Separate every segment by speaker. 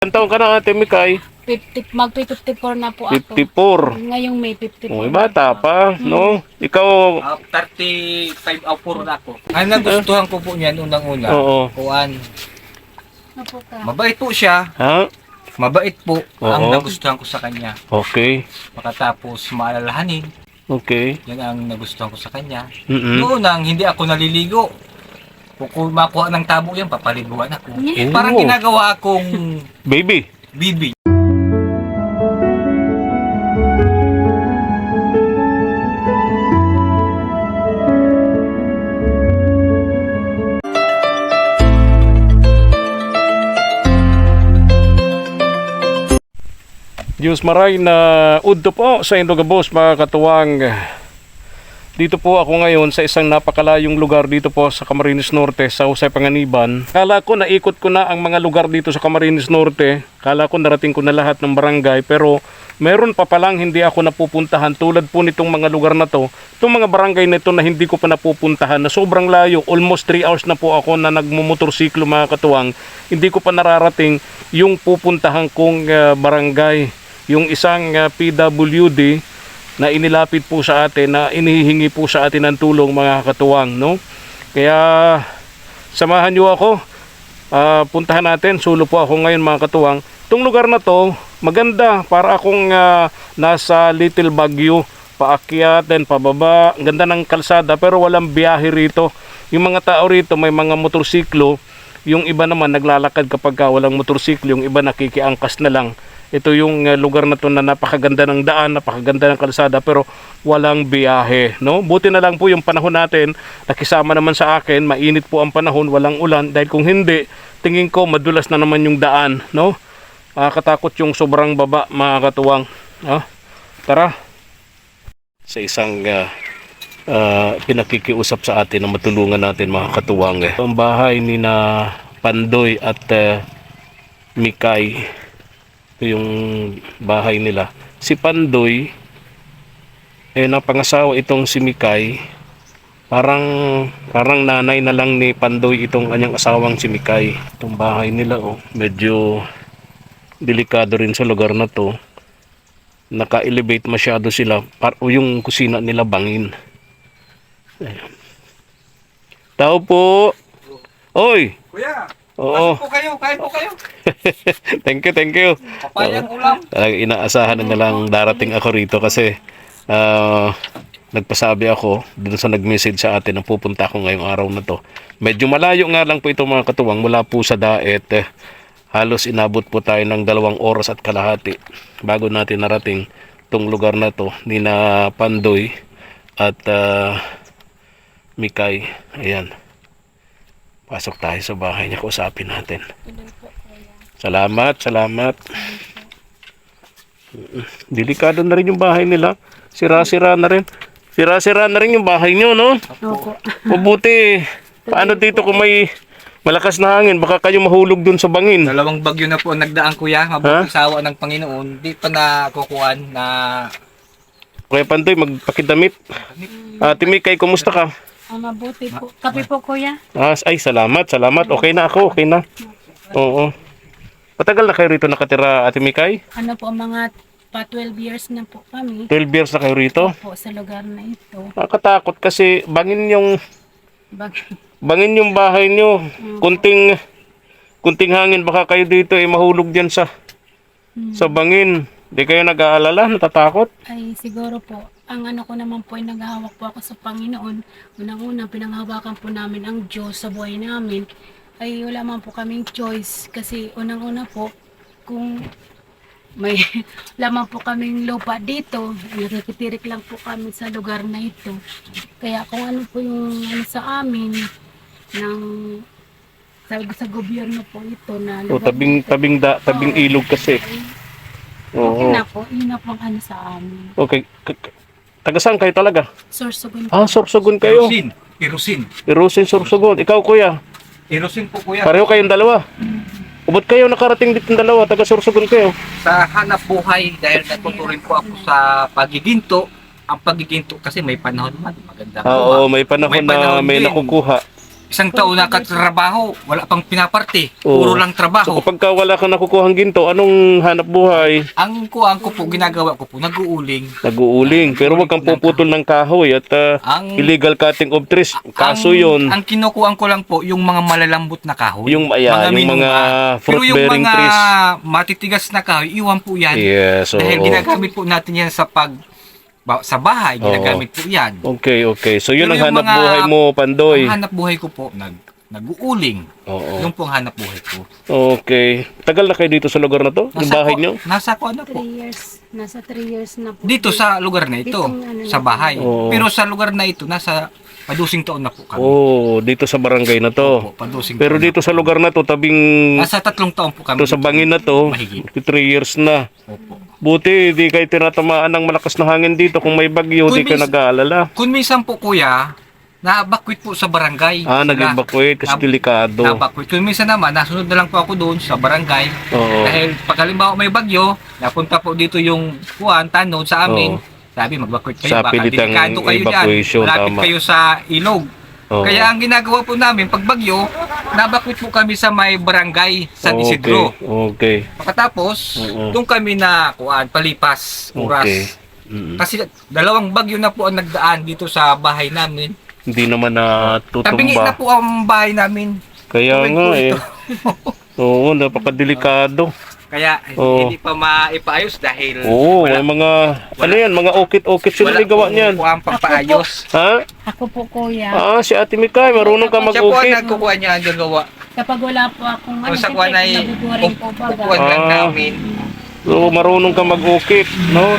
Speaker 1: Ilang taon ka na, Ate Mikay?
Speaker 2: 54 na po ako.
Speaker 1: 54.
Speaker 2: Ngayong May 54.
Speaker 1: Uy, bata pa, no? Ikaw,
Speaker 3: 35 o 4 na ako. Ang nagustuhan ko po niyan unang-una,
Speaker 1: oo.
Speaker 3: kuan,
Speaker 2: Ano po ka?
Speaker 3: mabait po siya.
Speaker 1: Ha?
Speaker 3: Mabait po ang
Speaker 1: Oo.
Speaker 3: nagustuhan ko sa kanya.
Speaker 1: Okay.
Speaker 3: Makatapos maalalahanin,
Speaker 1: Okay.
Speaker 3: yan ang nagustuhan ko sa kanya.
Speaker 1: Mm-mm.
Speaker 3: Noon nang hindi ako naliligo, kung makuha ng tabo yan, papaliguan ako.
Speaker 1: Oo.
Speaker 3: Parang ginagawa akong
Speaker 1: Baby.
Speaker 3: bibi.
Speaker 1: Diyos maray na udto po sa Indogabos mga katuwang. Dito po ako ngayon sa isang napakalayong lugar dito po sa Camarines Norte, sa Jose Panganiban. Kala ko naikot ko na ang mga lugar dito sa Camarines Norte. Kala ko narating ko na lahat ng barangay, pero meron pa palang hindi ako napupuntahan tulad po nitong mga lugar na to. Itong mga barangay na ito na hindi ko pa napupuntahan na sobrang layo. Almost 3 hours na po ako na nagmumotorsiklo mga katuwang. Hindi ko pa nararating yung pupuntahan kong barangay. Yung isang PWD na inilapit po sa atin, na inihingi po sa atin ng tulong mga katuwang, no? Kaya samahan niyo ako, puntahan natin. Sulo po ako ngayon mga katuwang. Itong lugar na to maganda, para akong nasa Little Baguio, paakyat then pababa. Ang ganda ng kalsada pero walang biyahe rito. Yung mga tao rito may mga motorsiklo, yung iba naman naglalakad kapag walang motorsiklo, yung iba nakikiangkas na lang. Ito yung lugar na to na napakaganda ng daan, napakaganda ng kalsada pero walang biyahe, no? Buti na lang po yung panahon natin, nakisama naman sa akin, mainit po ang panahon, walang ulan, dahil kung hindi, tingin ko madulas na naman yung daan, no? Katakot yung sobrang baba mga katuwang. Tara. Sa isang pinakikiusap sa atin na matulungan natin mga katuwang. Ang bahay ni na Pandoy at Mikay. Yung bahay nila. Si Pandoy napangasawa itong si Mikay. Parang nanay na lang ni Pandoy itong kanyang asawang si Mikay. Itong bahay nila medyo delikado rin sa lugar na to. Naka-elevate masyado sila. Yung kusina nila bangin. Ayan. Tao po. Oy.
Speaker 3: Kuya,
Speaker 1: Oo.
Speaker 3: pasok po kayo, kain po kayo.
Speaker 1: Thank you.
Speaker 3: Papayang ulam.
Speaker 1: Inaasahan na lang darating ako rito kasi nagpasabi ako dun sa nag-message sa atin na pupunta ako ngayong araw na to. Medyo malayo nga lang po ito mga katuwang, mula po sa Daet. Halos inabot po tayo ng 2 oras at kalahati bago natin narating itong lugar na to ni na Pandoy at Mikay. Ayan. Pasok tayo sa bahay niya, kausapin natin. Salamat. Delikado na rin yung bahay nila. Sira-sira na rin. Sira-sira na rin yung bahay nyo, no?
Speaker 2: Opo.
Speaker 1: Mabuti. Paano dito kung may malakas na hangin? Baka kayo mahulog dun sa bangin.
Speaker 3: 2 bagyo na po ang nagdaan kuya, mabuting sawa ng Panginoon. Di pa nakukuhan na
Speaker 1: Kaya Pandoy, magpakidamit. Ate Mikay, kumusta ka?
Speaker 2: Mabuti po. Kape po kuya.
Speaker 1: Ay, salamat. Okay na ako, okay na. Oo. Matagal na kayo rito nakatira, Ate Mikay?
Speaker 2: Ano po, mga 12 years na po kami.
Speaker 1: 12 years na kayo rito?
Speaker 2: Po sa lugar na ito.
Speaker 1: Nakakatakot kasi bangin yung bahay nyo. Kunting hangin, baka kayo dito mahulog diyan sa bangin. Di kayo nag-aalala, natatakot?
Speaker 2: Ay siguro po, ang ano ko naman po ay naghahawak po ako sa Panginoon. Unang-una, pinanghawakan po namin ang Diyos sa buhay namin. Ay wala man po kaming choice kasi unang-una po, kung may lamang po kaming lupa dito, nakikitirik lang po kami sa lugar na ito. Kaya kung ano po yung sa amin, sa gobyerno po ito na lugar
Speaker 1: tabing ilog kasi.
Speaker 2: okay
Speaker 1: Oo.
Speaker 2: na po, yun na po ang ano sa amin.
Speaker 1: Okay. Taga saan kayo talaga?
Speaker 2: Sorsogon po.
Speaker 1: Sorsogon kayo.
Speaker 3: Irusin
Speaker 1: Sorsogon. Ikaw kuya,
Speaker 3: po kuya.
Speaker 1: pareho kayong dalawa. Ba't kayo nakarating dito ng dalawa? Taga Sorsogon kayo.
Speaker 3: Sa hanap buhay dahil natuturin po ako sa pagiginto. Ang pagiginto kasi may panahon man maganda.
Speaker 1: Oo, may panahon
Speaker 3: May
Speaker 1: na
Speaker 3: panahon
Speaker 1: may
Speaker 3: din.
Speaker 1: nakukuha.
Speaker 3: Isang taon na katrabaho, wala pang pinaparte.
Speaker 1: Oo.
Speaker 3: Puro lang
Speaker 1: So
Speaker 3: trabaho.
Speaker 1: kapag ka wala kang nakukuhang ginto, anong hanap buhay?
Speaker 3: Ang kuang ko po, ginagawa ko po, nag-uuling.
Speaker 1: Nag-uuling. Pero wag kang puputol ng kahoy at
Speaker 3: Ang-
Speaker 1: illegal cutting of trees. Kaso yun.
Speaker 3: Ang kinukuhaan ko lang po, yung mga malalambot na kahoy.
Speaker 1: Yung mga
Speaker 3: minunga. Pero yung
Speaker 1: fruit-bearing
Speaker 3: mga
Speaker 1: trees.
Speaker 3: matitigas na kahoy, iwan po yan.
Speaker 1: Yes,
Speaker 3: Dahil
Speaker 1: oo.
Speaker 3: ginagamit po natin yan sa bahay, ginagamit po yan.
Speaker 1: Okay, okay. So yun
Speaker 3: Pero
Speaker 1: ang
Speaker 3: yung
Speaker 1: hanap
Speaker 3: mga-
Speaker 1: buhay mo, Pandoy.
Speaker 3: Ang hanap buhay ko po, nag-uuling.
Speaker 1: Oo.
Speaker 3: Yung po ang hanap buhay ko.
Speaker 1: Okay. Tagal na kayo dito sa lugar na to? Yung bahay nyo?
Speaker 3: Nasa ko ano po.
Speaker 2: 3 years. Nasa 3 years na po.
Speaker 3: Dito sa lugar na ito,
Speaker 2: Ditong ano
Speaker 3: sa
Speaker 2: na-
Speaker 3: bahay.
Speaker 1: Oo.
Speaker 3: Pero sa lugar na ito, nasa padusing taon na po kami.
Speaker 1: Oh, dito sa barangay na to.
Speaker 3: Opo, padusing
Speaker 1: Pero
Speaker 3: taon
Speaker 1: dito sa lugar na to, tabing
Speaker 3: na. Nasa 3 taon po kami.
Speaker 1: to sa bangin na to,
Speaker 3: Mahigit.
Speaker 1: 3 years na.
Speaker 3: Opo.
Speaker 1: Buti, di kayo tinatamaan ng malakas na hangin dito. Kung may bagyo, di ka
Speaker 3: Kung
Speaker 1: nag-aalala.
Speaker 3: Kung minsan po kuya, na-evacuate po sa barangay.
Speaker 1: Ah,
Speaker 3: Sila.
Speaker 1: nag-evacuate kasi
Speaker 3: Nab-
Speaker 1: delikado.
Speaker 3: Na-evacuate. Kung minsan naman, nasunod na lang po ako doon sa barangay.
Speaker 1: Oo.
Speaker 3: Dahil pag halimbawa may bagyo, napunta po dito yung tanod sa amin.
Speaker 1: Oo.
Speaker 3: Sabi, mag-evacuate kayo.
Speaker 1: Sa
Speaker 3: Baka
Speaker 1: pilitang
Speaker 3: delikado kayo dyan.
Speaker 1: evacuation,
Speaker 3: Malapit
Speaker 1: tama.
Speaker 3: kayo sa ilog.
Speaker 1: Oo.
Speaker 3: Kaya ang ginagawa po namin, pag bagyo, na-evacuate po kami sa may barangay, San Isidro.
Speaker 1: Okay.
Speaker 3: Pagkatapos,
Speaker 1: Oo.
Speaker 3: doon kami na palipas oras.
Speaker 1: Okay. Mm.
Speaker 3: Kasi 2 bagyo na po ang nagdaan dito sa bahay namin.
Speaker 1: Hindi naman na
Speaker 3: Tabingi na
Speaker 1: tutumba.
Speaker 3: po ang bahay namin.
Speaker 1: Kaya
Speaker 3: Tuwid
Speaker 1: nga
Speaker 3: po
Speaker 1: eh.
Speaker 3: ito.
Speaker 1: Oo, napakadelikado.
Speaker 3: Kaya
Speaker 1: Oo.
Speaker 3: hindi pa maipaayos dahil
Speaker 1: Oo, may mga, ano yan, mga okit-okit sila may gawa niyan.
Speaker 3: po ang pampaayos.
Speaker 1: Ha?
Speaker 2: Ako po kuya.
Speaker 1: Ah, si Ate Mikay, marunong ka
Speaker 3: Siya po ang
Speaker 1: mag-ukit.
Speaker 3: nagkukuha niya ang gawa.
Speaker 2: Kapag wala po akong
Speaker 3: Kung sa kuha na
Speaker 2: naguguring po baga.
Speaker 3: upuan lang
Speaker 1: Ah.
Speaker 3: namin.
Speaker 1: So, marunong ka mag-ukit, no?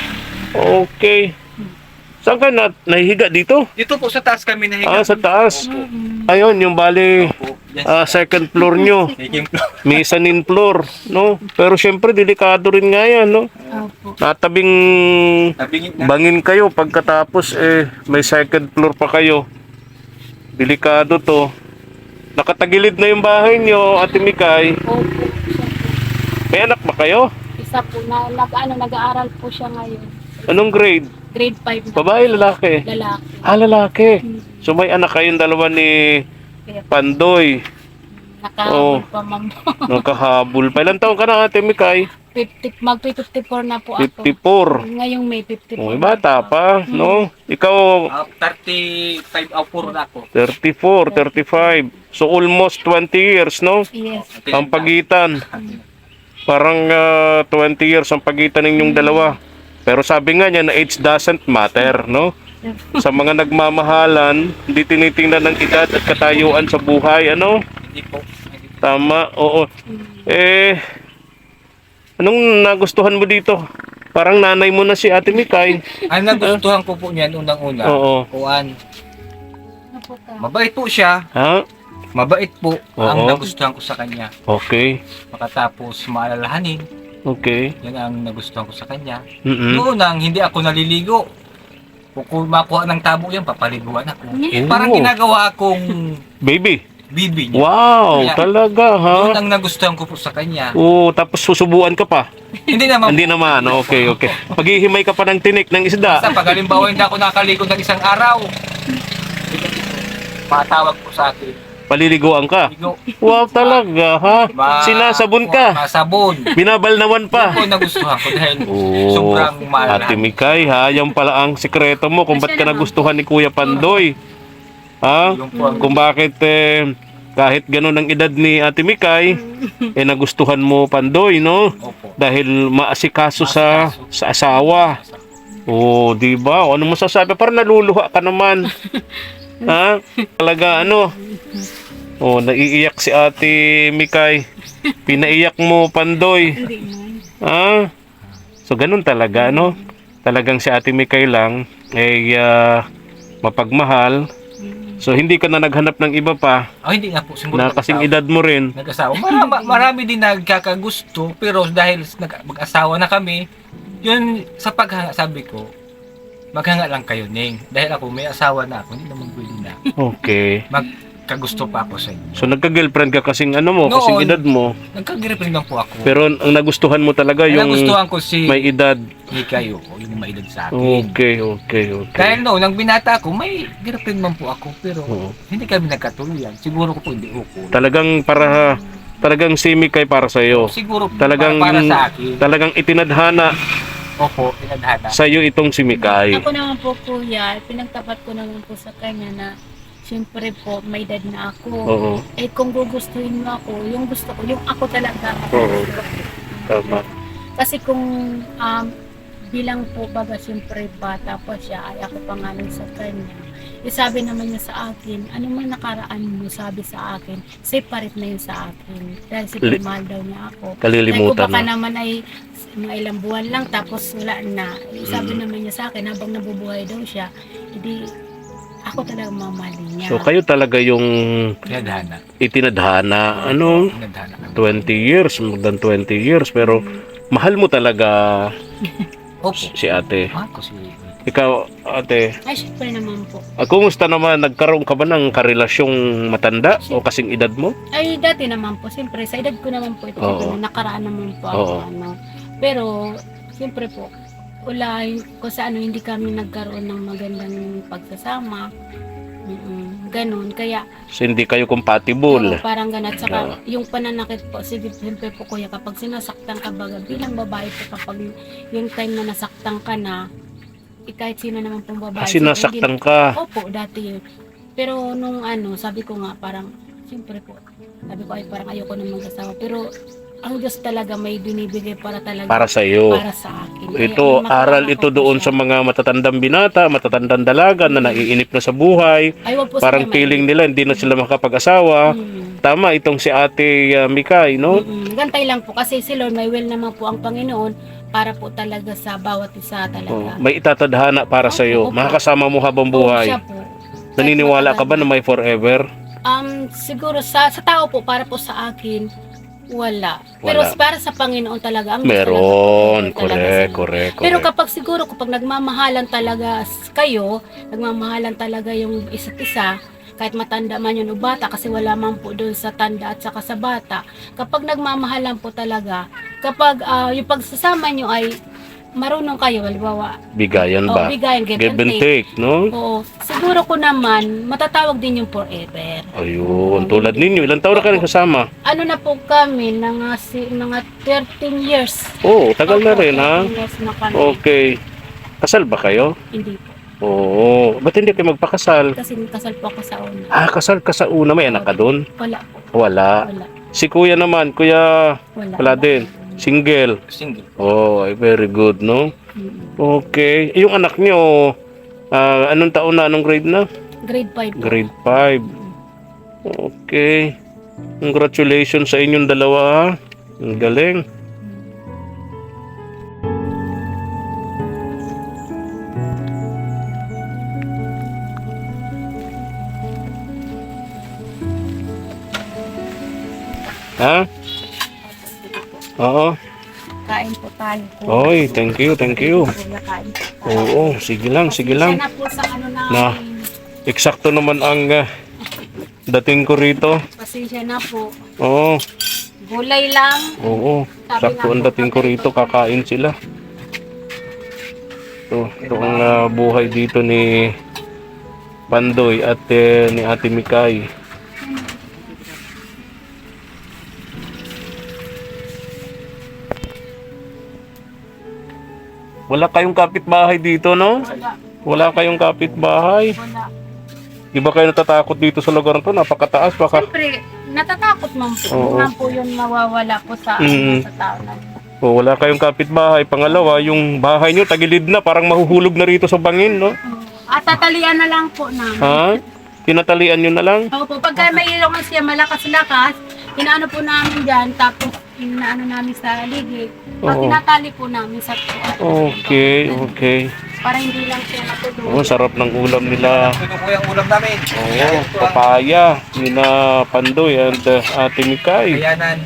Speaker 1: Okay. Saan ka nahihiga dito?
Speaker 3: Dito po sa taas kami nahiga.
Speaker 1: Ah, sa taas.
Speaker 3: Opo.
Speaker 1: Ayun, yung bali,
Speaker 3: Opo. Yan.
Speaker 1: second floor nyo.
Speaker 3: Taking floor.
Speaker 1: Mezzanine floor, no? Pero syempre, delikado rin nga yan, no?
Speaker 2: Opo.
Speaker 1: Natabing
Speaker 3: Tabingin na.
Speaker 1: bangin kayo pagkatapos may second floor pa kayo. Delikado to. Nakatagilid na yung bahay nyo, Ate Mikay.
Speaker 2: Opo.
Speaker 1: May anak ba kayo?
Speaker 2: Isa po nag-aaral po siya ngayon.
Speaker 1: Anong grade?
Speaker 2: Grade 5 na.
Speaker 1: Babae, lalaki?
Speaker 2: Lalaki.
Speaker 1: Ah, lalaki. So may anak kayong dalawa ni
Speaker 2: Kaya
Speaker 1: Pandoy.
Speaker 2: nakahabol pa ma'am.
Speaker 1: Nakahabol pa. Ilan taon ka na, Ate Mikay?
Speaker 2: 54 na po ako.
Speaker 1: 54.
Speaker 2: Ngayong May 54.
Speaker 1: Oh, bata pa, no? Ikaw,
Speaker 3: 35 puro na ako.
Speaker 1: 34, 35. So almost 20 years, no?
Speaker 2: Yes.
Speaker 1: Ang pagitan. Parang 20 years ang pagitan ninyong dalawa. Pero sabi nga niya na age doesn't matter, no? Sa mga nagmamahalan, hindi tinitingnan ng edad at katayuan sa buhay, ano?
Speaker 3: Hindi po.
Speaker 1: Tama, oo. Anong nagustuhan mo dito? Parang nanay mo na si Ate Mikay.
Speaker 3: Ang nagustuhan ko po niyan unang-una.
Speaker 1: Oo.
Speaker 3: Kuan.
Speaker 2: Ano po ka?
Speaker 3: Mabait po siya.
Speaker 1: Ha?
Speaker 3: Mabait po ang
Speaker 1: Oo.
Speaker 3: nagustuhan ko sa kanya.
Speaker 1: Okay.
Speaker 3: Makatapos maalalahanin.
Speaker 1: Okay.
Speaker 3: Yan ang nagustuhan ko sa kanya.
Speaker 1: Mm-mm.
Speaker 3: Noon nang hindi ako naliligo. Kung makuha ng tabo yan, papaliguan ako.
Speaker 1: Oo.
Speaker 3: Parang ginagawa akong
Speaker 1: Baby.
Speaker 3: bibi niya.
Speaker 1: Wow,
Speaker 3: Kaya,
Speaker 1: talaga ha?
Speaker 3: Yun ang nagustuhan ko po sa kanya.
Speaker 1: Oo, tapos susubuan ka pa.
Speaker 3: Hindi naman
Speaker 1: Hindi naman, okay, okay. Maghihimay ka pa ng tinik ng isda.
Speaker 3: Sa pag halimbawa hindi ako nakaligo ng isang araw, matawag po sa akin.
Speaker 1: Paliliguan ka.
Speaker 3: Ligo.
Speaker 1: Wow, talaga ha? Sinasabon ka.
Speaker 3: Masabon.
Speaker 1: Binabalnawan
Speaker 3: Yun
Speaker 1: pa.
Speaker 3: po nagustuhan ko dahil
Speaker 1: Oo.
Speaker 3: sobrang mahal.
Speaker 1: Ate Mikay ha, yan pala ang sikreto mo kung ba't ka nagustuhan ni Kuya Pandoy. Ha?
Speaker 3: Yung po ang
Speaker 1: Kung bakit kahit ganun ang edad ni Ate Mikay, nagustuhan mo Pandoy, no?
Speaker 3: opo.
Speaker 1: Dahil maasikaso sa asawa. Oh, di ba? O, ano mo sasabi? Parang naluluha ka naman. Ha? Talaga ano? Oh, naiiyak si Ate Mikay. Pinaiyak mo Pandoy.
Speaker 2: Hindi naman.
Speaker 1: Ah. So ganun talaga, no? Talagang si Ate Mikay lang mapagmahal. So hindi ka na naghanap ng iba pa
Speaker 3: Hindi nga po. Siguro
Speaker 1: na kasing edad mo rin.
Speaker 3: nag-asawa. Marami din nagkakagusto, pero dahil mag-asawa na kami, yun sa paghanga, sabi ko, maghanga lang kayo, Ning. Dahil ako, may asawa na ako, hindi naman pwede na.
Speaker 1: Okay.
Speaker 3: Magkagusto pa ako sa inyo.
Speaker 1: So nagka-girlfriend ka kasing ano mo, kasing
Speaker 3: Noon.
Speaker 1: edad mo.
Speaker 3: Nagkagiripin lang po ako.
Speaker 1: Pero ang nagustuhan mo talaga
Speaker 3: Ang
Speaker 1: yung
Speaker 3: nagustuhan ko si
Speaker 1: may edad.
Speaker 3: Mikay, yung yung maedad sa akin.
Speaker 1: Okay.
Speaker 3: Dahil noon, nang binata ako, may girlfriend man po ako, pero
Speaker 1: Oo.
Speaker 3: hindi kami nagkatuluyan. Siguro ko po hindi ko.
Speaker 1: Talagang si Mikay para sa iyo.
Speaker 3: Siguro
Speaker 1: Talagang
Speaker 3: para sa akin.
Speaker 1: talagang itinadhana
Speaker 3: Opo, tinadhana.
Speaker 1: sa iyo itong si Mikay.
Speaker 2: Ako naman po kuya, pinagtapat ko naman po sa kanya na siyempre po may edad na ako.
Speaker 1: Oo.
Speaker 2: Eh kung gugustuhin mo ako, yung gusto ko, yung ako talaga.
Speaker 1: Oo. Tama.
Speaker 2: Kasi kung bilang po baga siyempre bata pa siya, ay ako pangalan sa kanya. Eh sabi naman niya sa akin, ano man nakaraan mo, sabi sa akin, separate na yun sa akin. Dahil si mahal daw niya ako.
Speaker 1: Kalilimutan
Speaker 2: Ay, kung baka
Speaker 1: na.
Speaker 2: naman ay mga ilang buwan lang tapos wala na. Eh, sabi naman niya sa akin, habang nabubuhay daw siya, hindi ako talaga mamahalin niya.
Speaker 1: So kayo talaga yung
Speaker 3: Tinadhana.
Speaker 1: itinadhana, ano,
Speaker 3: Tinadhana kami.
Speaker 1: 20 years, more than 20 years, pero mahal mo talaga
Speaker 3: Opo.
Speaker 1: si ate.
Speaker 3: Ako si...
Speaker 1: Ikaw, ate,
Speaker 2: Ay, syempre naman po.
Speaker 1: kumusta naman, nagkaroon ka ba ng karelasyong matanda o kasing edad mo?
Speaker 2: Ay, dati naman po, siyempre, sa edad ko naman po ito,
Speaker 1: Oo.
Speaker 2: nakaraan naman po ako,
Speaker 1: Oo.
Speaker 2: ano. Pero, siyempre po, wala, kung sa ano, hindi kami nagkaroon ng magandang pagsasama. Ganon, kaya,
Speaker 1: So, hindi kayo compatible.
Speaker 2: parang ganun. At saka, yung pananakit po, sige, siyempre po kuya, kapag sinasaktan ka baga, bilang babae po, kapag yung time na nasaktan ka na, kahit sino naman pong babae.
Speaker 1: Kasi
Speaker 2: so,
Speaker 1: nasaktan ka.
Speaker 2: Opo, dati yun. Pero nung ano, sabi ko nga parang, siyempre po, sabi ko ay parang ayoko na mag-asawa. Pero ang Diyos talaga may binibigay para talaga
Speaker 1: Para sa iyo.
Speaker 2: para sa akin. Kaya,
Speaker 1: Ito,
Speaker 2: makakatawa
Speaker 1: aral
Speaker 2: ko
Speaker 1: ito
Speaker 2: po
Speaker 1: doon
Speaker 2: siya.
Speaker 1: sa mga matatandang binata, matatandang dalaga na naiinip na sa buhay.
Speaker 2: Ay, wag po
Speaker 1: Parang
Speaker 2: sila
Speaker 1: feeling nila hindi na sila makapag-asawa. Tama itong si ate Mikay, no?
Speaker 2: Gantay lang po kasi si Lord may will naman po ang Panginoon para po talaga sa bawat isa
Speaker 1: Oh,
Speaker 2: talaga.
Speaker 1: may itatadhana para sa iyo.
Speaker 2: Opo.
Speaker 1: Makakasama mo habang
Speaker 2: Oo,
Speaker 1: buhay.
Speaker 2: siya po.
Speaker 1: Naniniwala
Speaker 2: Kahit
Speaker 1: ka ba na
Speaker 2: matagal
Speaker 1: may forever?
Speaker 2: siguro sa tao po, para po sa akin, wala. Pero
Speaker 1: Wala.
Speaker 2: para sa Panginoon talaga, ang Diyos
Speaker 1: Meron.
Speaker 2: talaga po, talaga sila.
Speaker 1: Correct.
Speaker 2: Pero kapag siguro, kapag nagmamahalan talaga kayo, nagmamahalan talaga yung isa't isa, kahit matanda man yun o bata, kasi wala man po doon sa tanda at saka sa bata, kapag nagmamahalan po talaga, kapag yung pagsasama nyo ay marunong kayo, halimbawa,
Speaker 1: Bigayan ba?
Speaker 2: bigayan, give
Speaker 1: Give
Speaker 2: and
Speaker 1: and
Speaker 2: take.
Speaker 1: take, no?
Speaker 2: Oo, siguro ko naman, matatawag din yung forever.
Speaker 1: Ayun, tulad ninyo. Ilang taon na kayo kasama?
Speaker 2: Ano na po kami, mga 13 years.
Speaker 1: Oo, tagal na
Speaker 2: Opo,
Speaker 1: rin, ha?
Speaker 2: 13 years na kami.
Speaker 1: Okay. Kasal ba kayo?
Speaker 2: Hindi po.
Speaker 1: Oo. Ba't hindi kayo magpakasal?
Speaker 2: Kasi kasal po ako sa una.
Speaker 1: Kasal ka sa una. May anak ka doon?
Speaker 2: Wala po.
Speaker 1: Wala.
Speaker 2: Wala.
Speaker 1: Si kuya naman, wala din. Single.
Speaker 3: Single.
Speaker 1: Oh, ay, very good, no?
Speaker 2: Mm.
Speaker 1: Okay. Yung anak niyo, anong taon na? Anong grade na?
Speaker 2: Grade 5 po.
Speaker 1: Grade 5. Okay. Congratulations sa inyong dalawa, ha? Ang galing. Ha? Oo.
Speaker 2: Kain po tayo.
Speaker 1: Oy, thank you.
Speaker 2: Kuya, kain po tayo.
Speaker 1: Oo, sige lang.
Speaker 2: Pasensya na po sa ano namin.
Speaker 1: Eksakto naman ang dating ko rito.
Speaker 2: Pasensya na po.
Speaker 1: Oo,
Speaker 2: Gulay lang.
Speaker 1: oo. Sakto ang dating ko rito, kakain sila. Ito ang buhay dito ni Pandoy at ni Ate Mikay. Wala kayong kapitbahay dito, no?
Speaker 2: Wala.
Speaker 1: Wala kayong kapitbahay.
Speaker 2: Wala.
Speaker 1: Di ba kayo natatakot dito sa lugar na to? Napakataas, baka...
Speaker 2: Siyempre, natatakot man po.
Speaker 1: Oo.
Speaker 2: Hindi man po yun mawawala po sa,
Speaker 1: Mm.
Speaker 2: sa tao na.
Speaker 1: Wala kayong kapitbahay. Pangalawa, yung bahay nyo tagilid na, parang mahuhulog na rito sa bangin, no?
Speaker 2: At tatalian na lang po namin.
Speaker 1: Ha? Tinatalian nyo na lang?
Speaker 2: Opo, pagka may ilong siya malakas-lakas, inaano po namin dyan, tapos inaano namin sa ligid. Pag
Speaker 1: Oo.
Speaker 2: tinatali po namin sa tuwa.
Speaker 1: Okay.
Speaker 2: Para hindi lang siya matulog.
Speaker 1: Oh, sarap ng ulam nila.
Speaker 3: Ito po yung ulam namin.
Speaker 1: Oo, papaya. Nina Pandoy and Ate Mikay.
Speaker 3: Kayanan.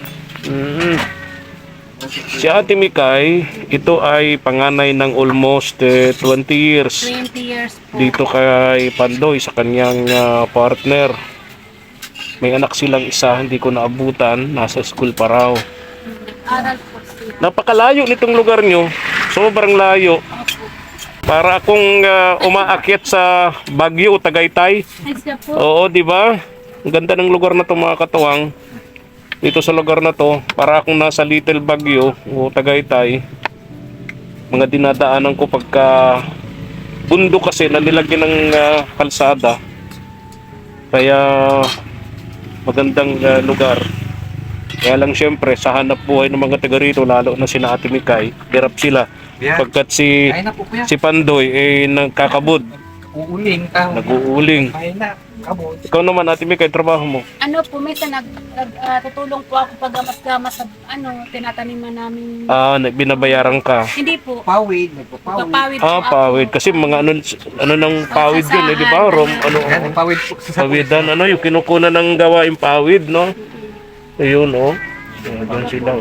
Speaker 1: Si Ate Mikay, ito ay panganay ng almost 20 years
Speaker 2: 20 years po.
Speaker 1: dito kay Pandoy sa kanyang partner. May anak silang isa, hindi ko naabutan, nasa school pa raw.
Speaker 2: Aral po siya.
Speaker 1: Napakalayo nitong lugar nyo, sobrang layo.
Speaker 2: Opo.
Speaker 1: Para akong umaakyat sa Baguio o Tagaytay.
Speaker 2: Ay, siya po.
Speaker 1: Oo, di ba? Ang ganda ng lugar na to mga katuwang. Dito sa lugar na to, para akong nasa Little Baguio o Tagaytay. Mga dinadaanan ko pagka bundok kasi na nilagyan ng kalsada. Kaya magandang lugar. Kaya lang syempre sa hanap buhay ng mga taga rito, lalo na sina Ate Mikay, hirap sila. Pagkat
Speaker 3: Kaya na po kuya.
Speaker 1: si Pandoy nagkakabod,
Speaker 3: Uuling ka.
Speaker 1: nag-uuling.
Speaker 3: Kaya na. Kabot.
Speaker 1: Ikaw naman Ate Mikay, trabaho mo.
Speaker 2: Ano po, minsan tutulong po ako pag gamas-gamas sa tinataniman namin.
Speaker 1: Binabayaran ka.
Speaker 2: Hindi po.
Speaker 3: Pawid. Nagpapawid.
Speaker 2: Papawid po ako.
Speaker 1: Pawid. Kasi mga ano ng pawid yun, di ba?
Speaker 3: Yan, pawid po.
Speaker 1: Pawidan, yung kinukunan ng gawaing pawid, no? Ayun, Doon sila,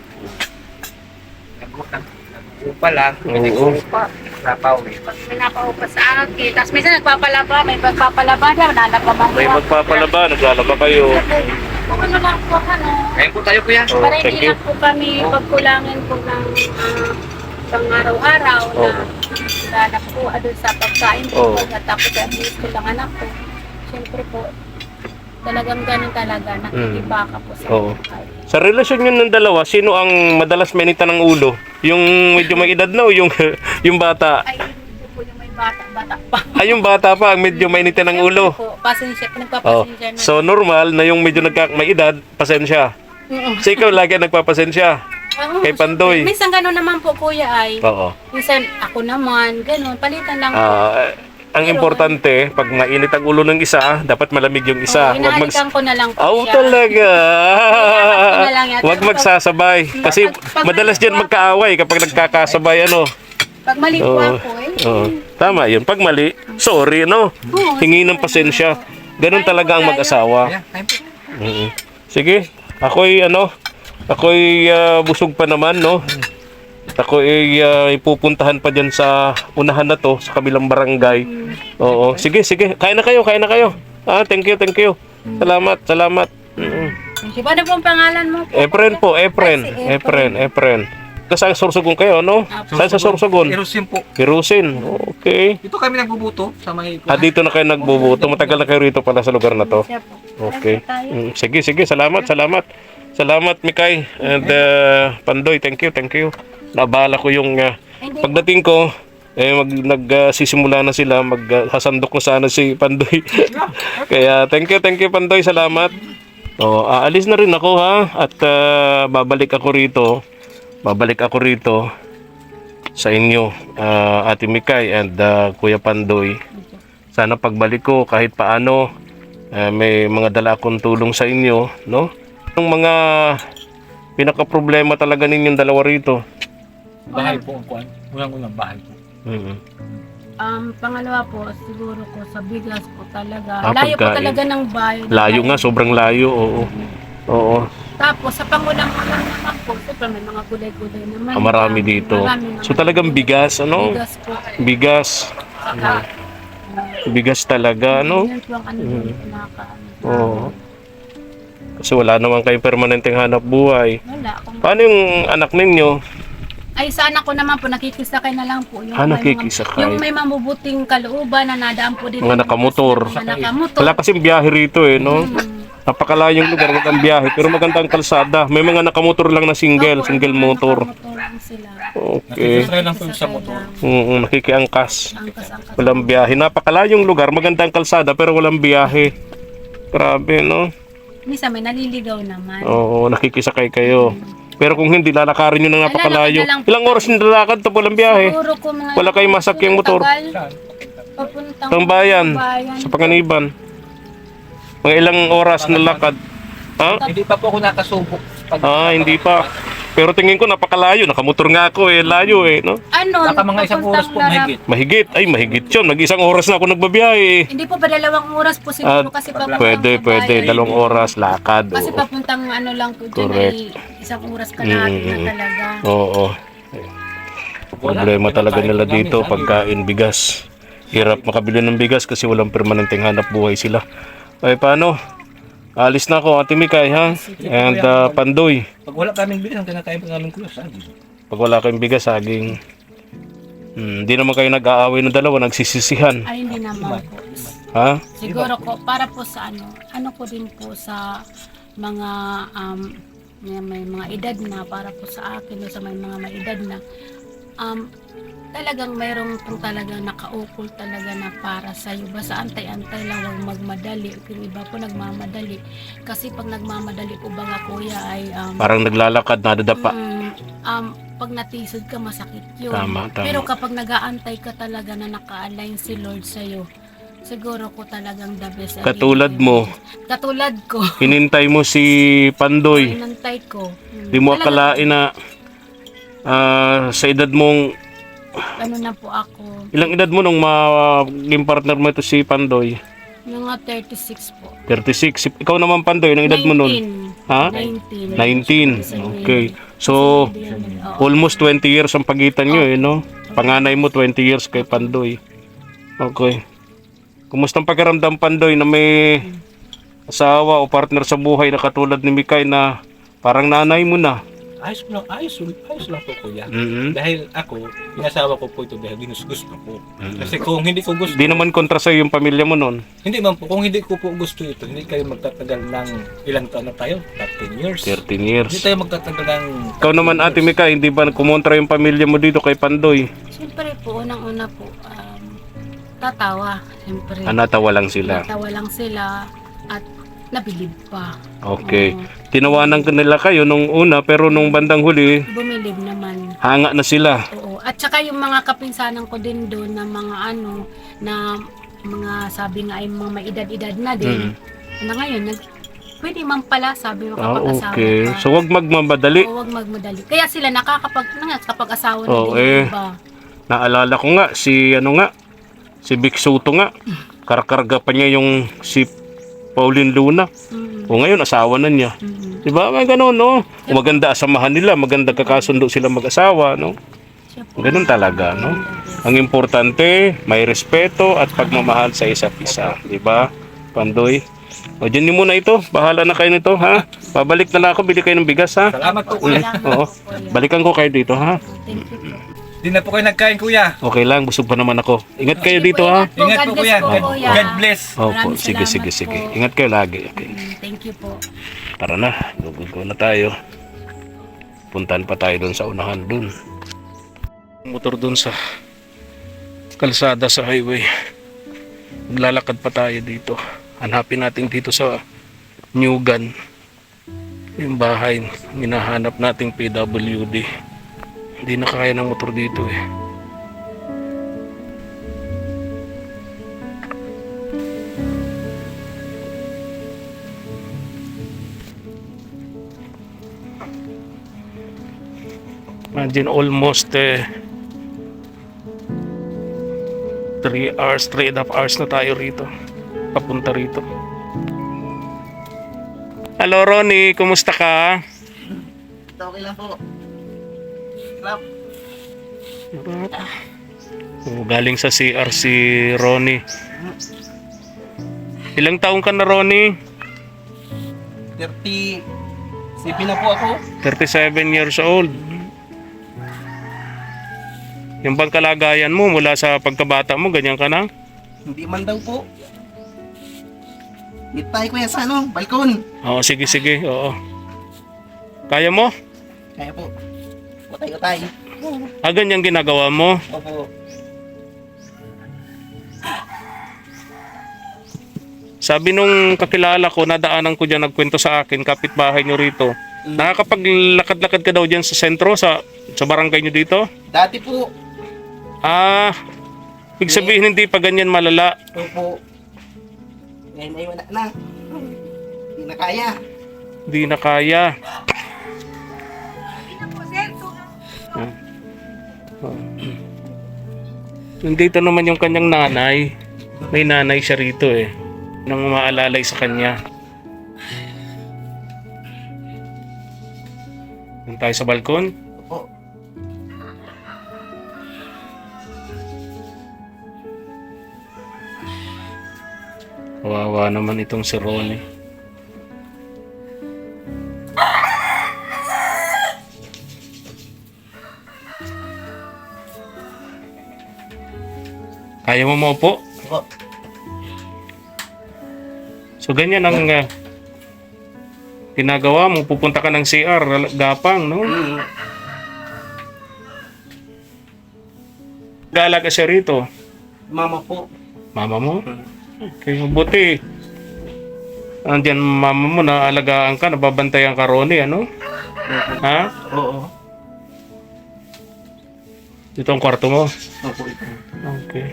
Speaker 3: Upa lang.
Speaker 1: Oo.
Speaker 3: Upa. Napawid.
Speaker 2: Pag may napaupa sa akin, tapos minsan nagpapalaba, may magpapalaba na, nalalabaman
Speaker 1: May magpapalaba, naglalaba kayo.
Speaker 2: Kung ano lang po,
Speaker 3: Ngayon po tayo kuya.
Speaker 1: Oh,
Speaker 2: para
Speaker 1: thank
Speaker 2: hindi
Speaker 1: you.
Speaker 2: lang po kami pagkulangin po ng pang araw-araw na
Speaker 1: Oh.
Speaker 2: lalap po doon sa pagkain po.
Speaker 1: Oh.
Speaker 2: At tapos at least ko lang anak ko. Siyempre po, talagang ganun talaga, nakikibaka po sa
Speaker 1: Oo.
Speaker 2: pagkain.
Speaker 1: Sa relasyon nyo ng dalawa, sino ang madalas mainita ng ulo? Yung medyo may edad na o yung, yung bata?
Speaker 2: Ay, hindi po yung may bata pa.
Speaker 1: Ay, yung bata pa ang medyo mainita ng ulo.
Speaker 2: Siyempre po, pasensya,
Speaker 1: Oh.
Speaker 2: pinagpapasensya na.
Speaker 1: So normal na yung medyo may edad, pasensya. So ikaw lagi nagpapasensya.
Speaker 2: Oo,
Speaker 1: Kay Pandoy.
Speaker 2: siyempre. Minsan gano'n naman po kuya ay.
Speaker 1: Oo.
Speaker 2: Minsan ako naman, gano'n, palitan lang po.
Speaker 1: Ang importante, pag mainit ang ulo ng isa, dapat malamig yung isa.
Speaker 2: Oo, inahalikan ko na lang po
Speaker 1: Oh,
Speaker 2: siya.
Speaker 1: talaga.
Speaker 2: Inahalikan ko na lang yan.
Speaker 1: Huwag magsasabay. Kasi
Speaker 2: Pag
Speaker 1: madalas
Speaker 2: mali
Speaker 1: dyan
Speaker 2: po
Speaker 1: magkaaway kapag nagkakasabay,
Speaker 2: Pag mali po
Speaker 1: Oo.
Speaker 2: ako
Speaker 1: Oo. Tama yun. Pag mali, sorry,
Speaker 2: Oo,
Speaker 1: Hingi ng pasensya. Ganun talaga ang mag-asawa.
Speaker 3: Kuya, time po.
Speaker 1: Mm. Sige, ako'y busog pa naman, Ako'y ipupuntahan pa dyan sa unahan na to, sa kabilang barangay. Oo, sige. Kain na kayo. Thank you. Salamat.
Speaker 2: Diba ano po ang pangalan mo?
Speaker 1: Efren po,
Speaker 2: Efren.
Speaker 1: Efren. Kasi sa Sorsogon kayo, no? Saan sa Sorsogon?
Speaker 3: Erosin po.
Speaker 1: Hirusin. Okay.
Speaker 3: Dito kami nagbubuto sa may...
Speaker 1: Dito na kayo nagbubuto. Matagal na kayo rito pala sa lugar na to.
Speaker 2: Siya po.
Speaker 1: Okay.
Speaker 2: Tayo.
Speaker 1: Sige. Salamat. Salamat, Mikay. And Pandoy, thank you. Nabala ko yung
Speaker 2: Hindi
Speaker 1: pagdating ko, nagsisimula na sila, maghasandok na sana si Pandoy. Kaya thank you Pandoy, salamat. Aalis na rin ako ha, at babalik ako rito sa inyo, Ate Mikay and Kuya Pandoy. Sana pagbalik ko kahit paano, may mga dala akong tulong sa inyo, no? Yung mga pinaka-problema talaga ninyong dalawa rito.
Speaker 3: Bahay po ang kuwan. Unang bahay po.
Speaker 2: Pangalawa po, siguro ko sa bigas po talaga.
Speaker 1: Ah,
Speaker 2: Layo po
Speaker 1: pagkain.
Speaker 2: talaga ng bayan.
Speaker 1: Layo nga, sobrang layo, oo.
Speaker 2: Tapos sa pangulang-ulang naman po, siyempre may mga gulay-gulay naman.
Speaker 1: Marami dito.
Speaker 2: Marami naman.
Speaker 1: So talagang bigas,
Speaker 2: Bigas po.
Speaker 1: Bigas.
Speaker 2: Saka,
Speaker 1: Bigas talaga,
Speaker 2: Yan po ang ano yung pinaka-ano.
Speaker 1: Oo. Kasi wala naman kayong permanenteng hanap buhay.
Speaker 2: Wala.
Speaker 1: Paano yung anak ninyo?
Speaker 2: Ay, sa anak ko naman po, nakikisakay na lang po. Yung may
Speaker 1: Nakikisakay.
Speaker 2: Yung may mabubuting kalooban na nadaan po dito.
Speaker 1: Mga nakamotor.
Speaker 2: Mga nakamotor.
Speaker 1: Wala kasing biyahe rito no? Napakalayong lugar, magandang biyahe, pero magandang kalsada. May mga nakamotor lang na single motor.
Speaker 2: Nakamotor lang sila.
Speaker 1: Okay.
Speaker 3: Nakikisakay lang po sa motor.
Speaker 1: Nakikiangkas.
Speaker 2: Angkas-angkas.
Speaker 1: Walang biyahe. Napakalayong lugar, magandang kalsada, pero walang biyahe. Grabe, no?
Speaker 2: Minsan may naliligaw naman.
Speaker 1: Oo, nakikisakay kayo. Pero kung hindi, lalakarin nyo ng napakalayo.
Speaker 2: Lalakad na lang po.
Speaker 1: Ilang oras yung lalakad to walang biyahe?
Speaker 2: Siguro ko mga
Speaker 1: Wala kayong masakyang motor.
Speaker 2: Papuntang
Speaker 1: Pang bayan, sa Panganiban. Mga ilang oras na lakad. Ha?
Speaker 3: Hindi pa po ako nakasubok.
Speaker 1: Hindi pa. Pero tingin ko napakalayo. Nakamotor nga ako layo no?
Speaker 2: Ano?
Speaker 3: Baka mga isang oras po mahigit.
Speaker 1: Mahigit yun. Mag-isang oras na ako nagbabiyahe.
Speaker 2: Hindi po ba 2 oras po siguro kasi papuntang
Speaker 1: Pwede.
Speaker 2: bayan.
Speaker 1: 2 oras lakad.
Speaker 2: Kasi
Speaker 1: Oo.
Speaker 2: papuntang ano lang po dyan
Speaker 1: Correct.
Speaker 2: ay 1 oras kalahati na talaga.
Speaker 1: Oo. Problema talaga nila dito, pagkain, bigas. Hirap makabili ng bigas kasi walang permanenteng hanap buhay sila. Ay, paano? Alis na ako, Ate Mikay, ha? And Pandoy.
Speaker 3: Pag wala kaming bilis, ang kinakain pa namin kuya, sabi.
Speaker 1: Pag wala kayong bigas, saging. Hindi naman kayo nag-aaway ng dalawa, nagsisisihan.
Speaker 2: Ay, hindi naman po.
Speaker 1: Ha?
Speaker 2: Siguro ko, para po sa ano ko din po sa mga may mga edad na, para po sa akin, sa mga may edad na, talagang mayroong pong talagang nakaukol talaga na para sa iyo. Basta antay-antay lang, huwag magmadali. Yung iba po nagmamadali. Kasi pag nagmamadali po baga kuya ay
Speaker 1: Parang naglalakad, nadadapa.
Speaker 2: pag natisod ka masakit yun.
Speaker 1: Tama, tama.
Speaker 2: Pero kapag nag-aantay ka talaga na naka-align si Lord sa'yo, siguro ko talagang the best.
Speaker 1: Katulad mo,
Speaker 2: Katulad ko.
Speaker 1: hinintay mo si Pandoy.
Speaker 2: Inantay ko.
Speaker 1: Di mo akalain na sa edad mong,
Speaker 2: Ano na po ako,
Speaker 1: ilang edad mo nung maging partner mo ito si Pandoy?
Speaker 2: mga 36 po.
Speaker 1: 36. Ikaw naman Pandoy, ilang edad mo nun?
Speaker 2: 19.
Speaker 1: Ha?
Speaker 2: 19.
Speaker 1: 19. Okay. So, almost 20 years ang pagitan nyo no? Panganay mo 20 years kay Pandoy. Okay. Kumusta ang pakiramdam Pandoy na may asawa o partner sa buhay na katulad ni Mikay na parang nanay mo na?
Speaker 3: Ayos lang po kuya.
Speaker 1: Mhm.
Speaker 3: Dahil ako, inasawa ko po ito dahil gusto ko. Kasi kung hindi ko gusto,
Speaker 1: Di naman kontra sa yung pamilya mo nun.
Speaker 3: hindi man po, kung hindi ko po gusto ito, hindi kayo magtatagal ng ilang taon na tayo? 13 years.
Speaker 1: 13 years.
Speaker 3: Hindi tayo magtatagal ng...
Speaker 1: Ikaw naman Ate Mikay, hindi ba kumontra yung pamilya mo dito kay Pandoy?
Speaker 2: Siyempre po, unang-una po, tatawa. Siyempre.
Speaker 1: Natawa lang sila.
Speaker 2: Natawa lang sila at nabilib pa.
Speaker 1: Okay. Tinawanan ka nila kayo nung una pero nung bandang huli,
Speaker 2: Bumilib naman.
Speaker 1: hanga na sila.
Speaker 2: Oo. At saka yung mga kapinsanan ko din doon na mga na mga sabi nga ay mga may edad-edad na din. Na ngayon, pwede man pala sabi mo kapag-asawa
Speaker 1: Okay.
Speaker 2: ka.
Speaker 1: So wag magmamadali.
Speaker 2: Oo, huwag magmadali. Kaya sila kapag-asawa na
Speaker 1: Oo,
Speaker 2: din, diba?
Speaker 1: Naalala ko nga si Vic Soto nga. Karkarga pa niya yung si Pauline Luna. O ngayon asawa na niya. Diba? May ganun, no? Maganda asamahan nila, maganda kakasundo sila mag-asawa, no?
Speaker 2: Siya po.
Speaker 1: Ganun talaga, no? Ang importante, may respeto at pagmamahal sa isa't isa, di ba? Pandoy. O dyan niyo muna ito. Bahala na kayo nito, ha? Babalik na lang ako, bili kayo ng bigas, ha?
Speaker 3: Salamat po kuya.
Speaker 1: Oo. Balikan ko kayo dito, ha?
Speaker 2: Thank you po.
Speaker 3: Di na po kayo nagkain kuya.
Speaker 1: Okay lang, busog pa naman ako. Ingat kayo dito, ha?
Speaker 3: Ingat po
Speaker 2: God bless
Speaker 3: kuya.
Speaker 2: po, kuya.
Speaker 3: God bless.
Speaker 1: Opo,
Speaker 2: Maraming
Speaker 1: sige,
Speaker 2: salamat
Speaker 1: sige.
Speaker 2: po.
Speaker 1: Ingat kayo lagi, okay?
Speaker 2: Thank you po.
Speaker 1: Tara na, go na tayo. Puntahan pa tayo doon sa unahan doon. Motor doon sa kalsada sa highway. Maglalakad pa tayo dito. Hanapin natin dito sa Newgan yung bahay hinahanap nating PWD. Hindi na kaya ng motor dito eh. Imagine almost 3 hours, 3.5 hours na tayo rito. Papunta rito. Hello Ronnie, kumusta ka?
Speaker 4: Okay lang po. Clap.
Speaker 1: Galing sa CR si Ronnie. Ilang taong ka na Ronnie?
Speaker 4: 37 na po ako.
Speaker 1: 37 years old. Yung bang kalagayan mo mula sa pagkabata mo, ganyan ka na?
Speaker 4: Hindi man daw po. Meet tayo kuya sa balkon.
Speaker 1: Oo, sige, oo. Kaya mo?
Speaker 4: Kaya po. Utay-utay.
Speaker 1: Ganyan ginagawa mo?
Speaker 4: Opo.
Speaker 1: Sabi nung kakilala ko, nadaanan ko dyan, nagkwento sa akin, kapitbahay nyo rito. Nakakapaglakad-lakad ka daw dyan sa sentro, sa barangay nyo dito?
Speaker 4: Dati po.
Speaker 1: Ibig sabihin hindi pa ganyan malala.
Speaker 4: Opo. Ngayon ay wala na. Hindi na kaya.
Speaker 1: Hindi na kaya. Nandito naman yung kanyang nanay. May nanay siya rito eh. Nang umaalalay sa kanya. Doon tayo sa balkon.
Speaker 4: Opo.
Speaker 1: Kawawa naman itong si Ronnie. Kaya mo maupo?
Speaker 4: Opo.
Speaker 1: So ganyan ang ginagawa mo. Pupunta ka ng CR, gapang, no? Gaalaga siya rito.
Speaker 4: Mama po.
Speaker 1: Mama mo? Okay, mabuti. Andiyan mama mo, naalagaan ka, nababantayan ka, Ronnie, ano? Ha?
Speaker 4: Oo.
Speaker 1: Dito ang kwarto mo.
Speaker 4: Opo ito.
Speaker 1: Okay.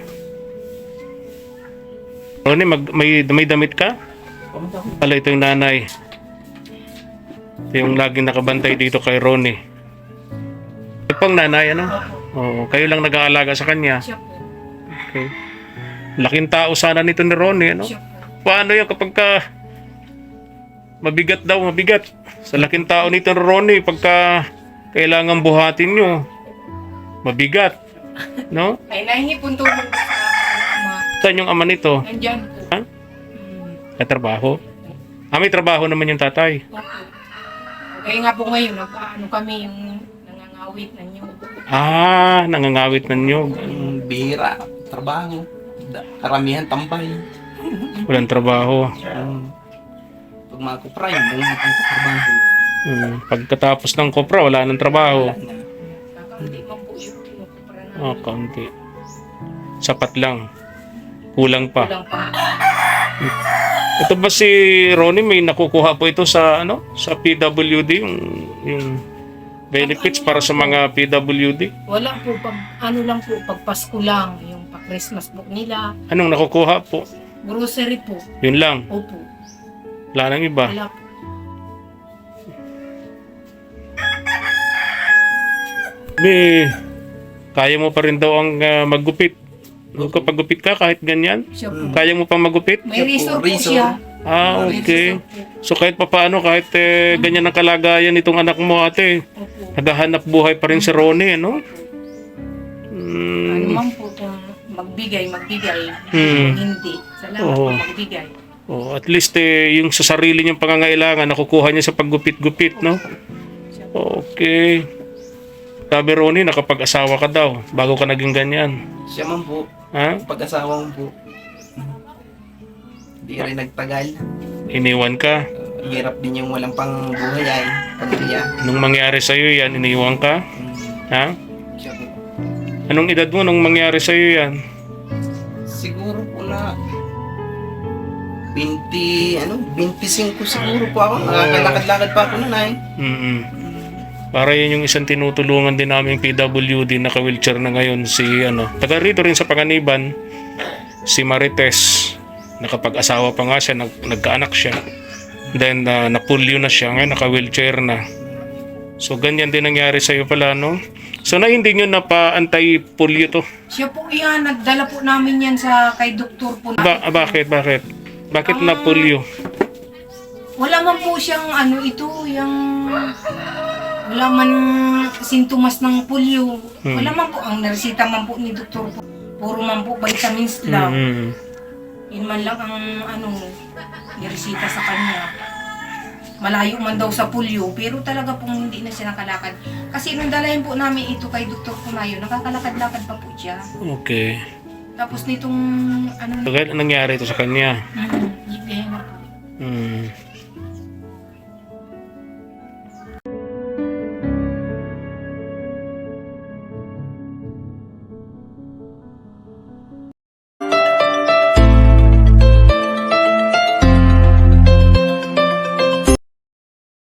Speaker 1: Ronnie, may damit ka? Pala ito yung nanay. Ito yung laging nakabantay dito kay Ronnie. Ito pang nanay, ano? Oo, kayo lang nag-aalaga sa kanya.
Speaker 2: Siya po.
Speaker 1: Okay. Laking tao sana nito ni Ronnie, ano?
Speaker 2: Siya po.
Speaker 1: Paano yun kapag ka mabigat daw, mabigat. Sa laking tao nito ni Ronnie, pagka kailangan buhatin nyo, mabigat. No?
Speaker 2: Ay, nahingi po tulong sa ama.
Speaker 1: Saan yung ama nito?
Speaker 2: Nandyan po.
Speaker 1: Ha? May trabaho? May trabaho naman yung tatay.
Speaker 2: Opo. Kaya nga po ngayon, ano kami yung nangangawit na niyo.
Speaker 1: Nangangawit ng nyog.
Speaker 4: Bihira. Trabaho. Karamihan tambay.
Speaker 1: Walang trabaho.
Speaker 4: Pag mga kupray, walang trabaho.
Speaker 1: Pagkatapos ng kopra, wala nang trabaho.
Speaker 2: Kakaunti man po yung pinupupra na.
Speaker 1: Kaunti. Sapat lang. Kulang pa.
Speaker 2: Kulang pa.
Speaker 1: Ito ba si Ronnie, may nakukuha po ito sa sa PWD, yung benefits para sa mga PWD?
Speaker 2: Wala po, lang po, pag Pasko lang, yung pag Christmas po nila,
Speaker 1: Anong nakukuha po?
Speaker 2: grocery po.
Speaker 1: Yun lang.
Speaker 2: Opo.
Speaker 1: Wala nang iba.
Speaker 2: Wala po.
Speaker 1: Kaya mo pa rin daw ang maggupit. Kapag gupit ka, kahit ganyan,
Speaker 2: Siya po.
Speaker 1: kaya mo pa maggupit?
Speaker 2: May resort po
Speaker 4: Resort.
Speaker 2: siya.
Speaker 1: Okay. So kahit papaano, kahit ganyan ang kalagayan nitong anak mo, ate,
Speaker 2: Opo.
Speaker 1: naghahanap buhay pa rin si Ronnie, no?
Speaker 2: Ano man po kung magbigay. Hindi. Salamat
Speaker 1: Oo.
Speaker 2: po magbigay.
Speaker 1: Oh, at least yung sa sarili niyang pangangailangan nakukuha niya sa paggupit-gupit, no? Okay. Sabi Ronnie, nakapag-asawa ka daw bago ka naging ganyan.
Speaker 4: Siya man po.
Speaker 1: Ha?
Speaker 4: Pag-asawa mo po. Hindi rin nagtagal.
Speaker 1: Iniwan ka.
Speaker 4: Hirap din yung walang pang buhay ay pamilya.
Speaker 1: Nung mangyari sa'yo yan, iniwan ka. Ha?
Speaker 4: Siya po.
Speaker 1: Anong edad mo nung mangyari sa'yo yan?
Speaker 4: Siguro po na 25 siguro po ako. Nakakalakad-lakad pa ako nun ay.
Speaker 1: Para yun yung isang tinutulungan din namin PWD, naka-wheelchair na ngayon, si taga rito rin sa Panganiban, si Marites. Nakapag-asawa pa nga siya, nagkaanak siya. Then napulyo na siya, ngayon naka-wheelchair na. So ganyan din nangyari sa iyo pala, no? So na hindi nyo napa-anti-polio to?
Speaker 2: Siya po yan. Nagdala po namin yan kay doktor po.
Speaker 1: Bakit? Bakit na polio?
Speaker 2: Wala man po siyang wala man sintomas ng polio. Wala man po. Ang naresita man po ni doktor po. Puro man po vitamins lang. Yun man lang ang niresita sa kanya. Malayo man daw sa polio, pero talaga pong hindi na siya nakalakad. Kasi nung dalahin po namin ito kay Dr. Punayo, nakakalakad-lakad pa po siya.
Speaker 1: Okay.
Speaker 2: Tapos nitong
Speaker 1: So, nangyari ito sa kanya?
Speaker 2: Hindi na po.